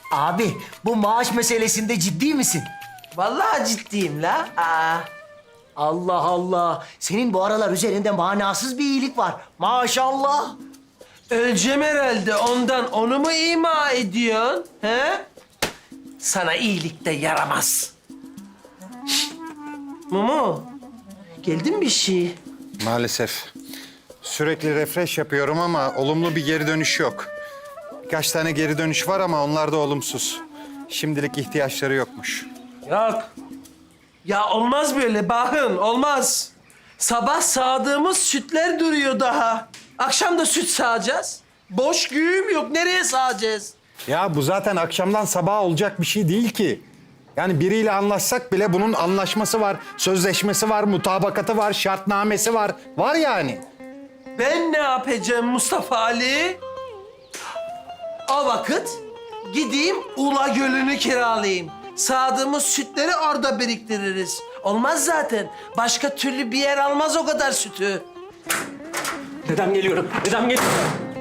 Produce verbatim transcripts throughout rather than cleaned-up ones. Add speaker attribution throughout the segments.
Speaker 1: Abi bu maaş meselesinde ciddi misin?
Speaker 2: Vallahi ciddiyim la. Aa.
Speaker 1: Allah Allah. Senin bu aralar üzerinde manasız bir iyilik var. Maşallah.
Speaker 2: Öleceğim herhalde ondan. Onu mu ima ediyorsun? He? Sana iyilik de yaramaz. Şşt! Mumu, geldi mi bir şey?
Speaker 3: Maalesef. Sürekli refresh yapıyorum ama olumlu bir geri dönüş yok. Birkaç tane geri dönüş var ama onlar da olumsuz. Şimdilik ihtiyaçları yokmuş.
Speaker 2: Yok. Ya olmaz böyle bakın, olmaz. Sabah sağdığımız sütler duruyor daha. Akşam da süt sağacağız. Boş güğüm yok, nereye sağacağız?
Speaker 3: Ya bu zaten akşamdan sabaha olacak bir şey değil ki. Yani biriyle anlaşsak bile bunun anlaşması var, sözleşmesi var, mutabakatı var, şartnamesi var. Var yani.
Speaker 2: Ben ne yapacağım Mustafa Ali? O vakit gideyim Ula Gölü'nü kiralayayım. Sağdığımız sütleri orada biriktiririz. Olmaz zaten. Başka türlü bir yer almaz o kadar sütü.
Speaker 4: Dedem geliyorum. Dedem geliyorum.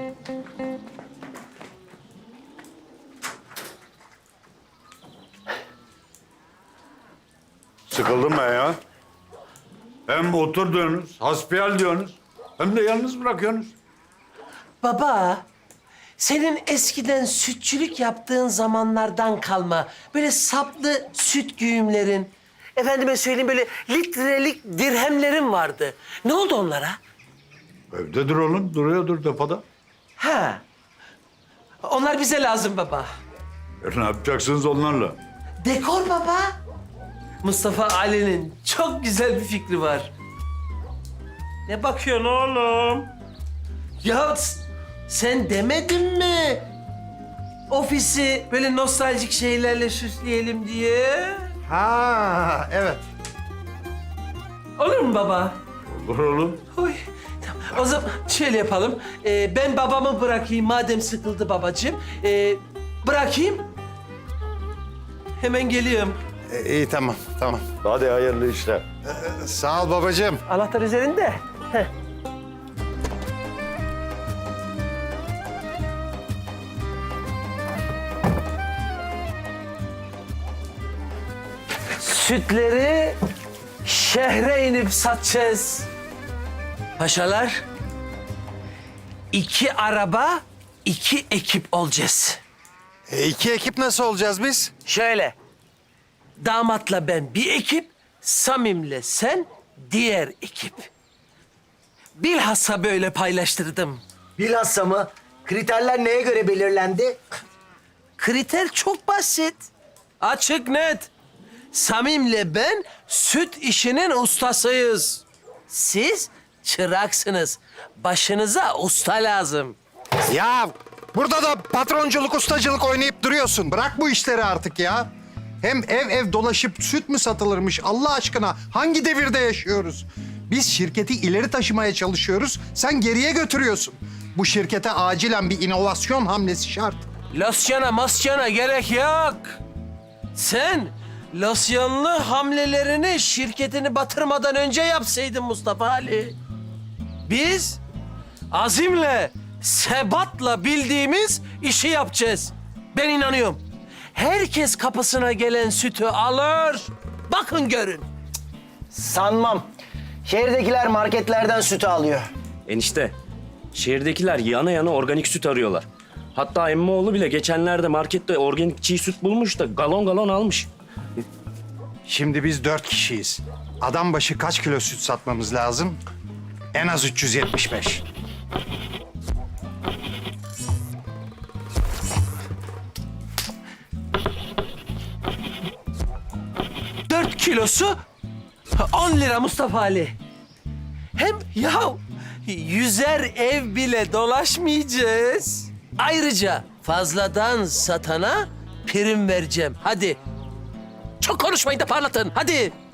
Speaker 5: Sıkıldım ben ya. Hem otur diyorsunuz, hasbihal diyorsunuz. Hem de yalnız bırakıyorsunuz.
Speaker 2: Baba, senin eskiden sütçülük yaptığın zamanlardan kalma böyle saplı süt güğümlerin, efendime söyleyeyim böyle litrelik dirhemlerin vardı. Ne oldu onlara?
Speaker 5: Evdedir oğlum, duruyordur depoda.
Speaker 2: Ha, onlar bize lazım baba.
Speaker 5: E ne yapacaksınız onlarla?
Speaker 2: Dekor baba. Mustafa Ali'nin çok güzel bir fikri var. Ne bakıyorsun oğlum? Ya s- sen demedin mi? Ofisi böyle nostaljik şeylerle süsleyelim diye.
Speaker 3: Ha, evet.
Speaker 2: Olur mu baba?
Speaker 5: Olur oğlum.
Speaker 2: Oy. Tamam. O zaman şöyle yapalım. Ee, ben babamı bırakayım madem sıkıldı babacığım. Ee, bırakayım. Hemen geliyorum.
Speaker 3: E, iyi tamam, tamam.
Speaker 5: Hadi hayırlı işler.
Speaker 3: Sağ ol babacığım.
Speaker 2: Anahtar üzerinde. Heh. Sütleri şehre inip satacağız. Paşalar, iki araba, iki ekip olacağız.
Speaker 3: E, iki ekip nasıl olacağız biz?
Speaker 2: Şöyle, damatla ben bir ekip, Samim'le sen diğer ekip. Bilhassa böyle paylaştırdım.
Speaker 1: Bilhassa mı? Kriterler neye göre belirlendi?
Speaker 2: Kriter çok basit. Açık net. Samim'le ben süt işinin ustasıyız. Siz çıraksınız. Başınıza usta lazım.
Speaker 3: Ya burada da patronculuk, ustacılık oynayıp duruyorsun. Bırak bu işleri artık ya. Hem ev ev dolaşıp süt mü satılırmış Allah aşkına? Hangi devirde yaşıyoruz? Biz şirketi ileri taşımaya çalışıyoruz, sen geriye götürüyorsun. Bu şirkete acilen bir inovasyon hamlesi şart.
Speaker 2: Losyona masyona gerek yok. Sen losyonlu hamlelerini şirketini batırmadan önce yapsaydın Mustafa Ali. Biz azimle, sebatla bildiğimiz işi yapacağız. Ben inanıyorum. Herkes kapısına gelen sütü alır. Bakın görün.
Speaker 1: Sanmam. Şehirdekiler marketlerden sütü alıyor.
Speaker 4: Enişte, şehirdekiler yana yana organik süt arıyorlar. Hatta emmoğlu bile geçenlerde markette organik çiğ süt bulmuş da galon galon almış.
Speaker 3: Şimdi biz dört kişiyiz. Adam başı kaç kilo süt satmamız lazım? En az üç yüz yetmiş beş.
Speaker 2: Dört kilosu on lira Mustafa Ali. Hem ya yüzer ev bile dolaşmayacağız. Ayrıca fazladan satana prim vereceğim. Hadi. Çok konuşmayın da parlatın. Hadi.